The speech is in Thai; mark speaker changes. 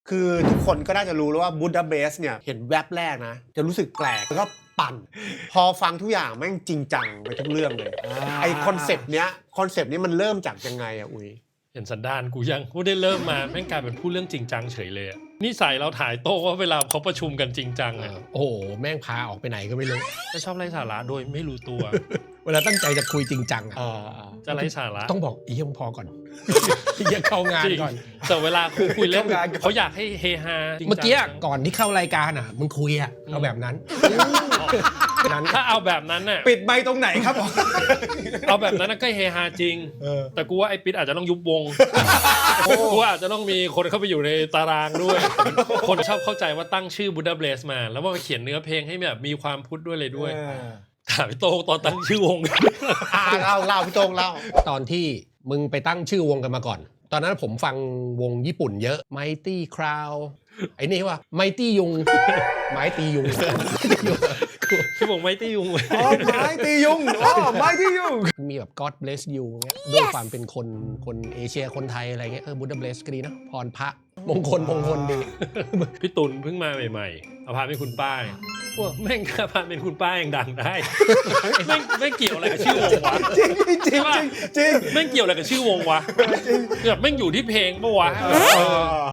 Speaker 1: คือทุกคนก็น่าจะรู้แล้วว่าบูดาเปสต์เนี่ยเห็นแวบแรกนะจะรู้สึกแปลกแล้วก็ปั่นพอฟังทุกอย่างแม่งจริงจังไปทุกเรื่องเลยไอคอนเซปต์เนี้ยมันเริ่มจากยังไงอะอุ้ย
Speaker 2: เห็นสันดานกูยังกูได้เริ่มมาแม่งกลายเป็นพูดเรื่องจริงจังเฉยเลยนี่ใส่เราถ่ายโต๊ะว่าเวลาเขาประชุมกันจริงจังอ่ะ
Speaker 3: โอ้โหแม่งพาออกไปไหนก็ไม่รู้
Speaker 2: จะชอบไร้สาระโดยไม่รู้ตัว
Speaker 3: เวลาตั้งใจจะคุยจริงจังอะ
Speaker 2: จะไร้สาระ
Speaker 3: ต้องบอกอีเหี้ยมึงพอก่อน อีเหี้ยเข้างาน
Speaker 2: จริง
Speaker 3: ก่อน
Speaker 2: แต่เวลาคุยเล่น
Speaker 3: เข้างานก่อน
Speaker 2: เขาอยากให้เฮฮาจริงจัง
Speaker 3: เมื่อกี้ก่อนที่เข้ารายการอ่ะมึงคุยอ่ะเอาแบบนั้นนั้น
Speaker 2: ถ้าเอาแบบนั้นน่ะ
Speaker 3: ปิดใบตรงไหนครับ
Speaker 2: เอาแบบนั้นน่ะก็เฮฮาจริง แต่กูว่าไอ้ปิ๊ดอาจจะต้องยุบวงกูว่าอาจจะต้องมีคนเข้าไปอยู่ในตารางด้วย คนชอบเข้าใจว่าตั้งชื่อบูดาเบสมา แล้วว่าเขียนเนื้อเพลงให้แบบมีความพุทธด้วยเลยด้วยถามพี่โต้งตอนตั้งชื่อวง
Speaker 1: เล่าพี่โต้งเล่า
Speaker 3: ตอนที่มึงไปตั้งชื่อวงกันมาก่อน ตอนนั้นผมฟังวงญี่ปุ่นเยอะ Mighty Crowd ไอ้นี่ว่า Mighty ยุง ไม้ตียุง
Speaker 2: พี่บอกไม่ตียุงเลย
Speaker 1: ไม้ตียุงไม้ตียุง
Speaker 3: มีแบบ God bless you เงี้ยด้วยความเป็นคนเอเชียคนไทยอะไรเงี้ยBuddha bless ก็ดีนะพรพระมงคลดี
Speaker 2: พี่ตุลเพิ่งมาใหม่ๆเอาพาเป็นคุณป้ายพวกแม่งถ้าพาเป็นคุณป้ายังดังได้ แม่งเกี่ยวอะไรกับชื่อวงวะ
Speaker 1: จริง
Speaker 2: แม่งเกี่ยวอะไรกับชื่อวงวะแบบแม่งอยู่ที่เพลงปะวะ